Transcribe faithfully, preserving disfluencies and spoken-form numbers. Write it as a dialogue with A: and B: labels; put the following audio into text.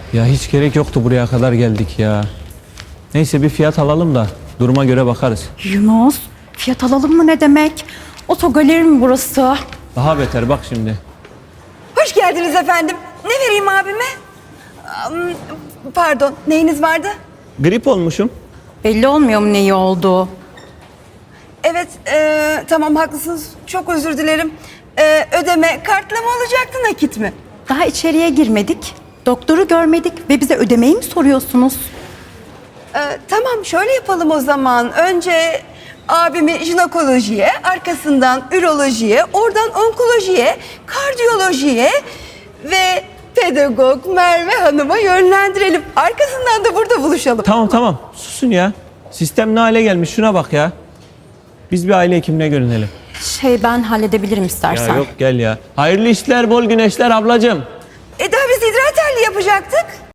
A: Ya hiç gerek yoktu, buraya kadar geldik ya. Neyse bir fiyat alalım da duruma göre bakarız.
B: Yunus, fiyat alalım mı ne demek? Otogaleri mi burası?
A: Daha beter bak şimdi.
C: Hoş geldiniz efendim. Ne vereyim abime? Am, Pardon, neyiniz vardı?
A: Grip olmuşum.
B: Belli olmuyor mu neyi oldu?
C: Evet, e, tamam haklısınız. Çok özür dilerim. E, ödeme kartla mı olacaktı, nakit mi?
B: Daha içeriye girmedik. Doktoru görmedik ve bize ödemeyi mi soruyorsunuz?
C: E, tamam, şöyle yapalım o zaman. Önce abimi jinekolojiye, arkasından ürolojiye, oradan onkolojiye, kardiyolojiye ve pedagog Merve Hanım'a yönlendirelim. Arkasından da burada buluşalım.
A: Tamam tamam susun ya. Sistem ne hale gelmiş şuna bak ya. Biz bir aile hekimine görünelim.
B: Şey ben halledebilirim istersen.
A: Ya yok gel ya. Hayırlı işler, bol güneşler ablacığım.
C: E daha biz idrar telli yapacaktık.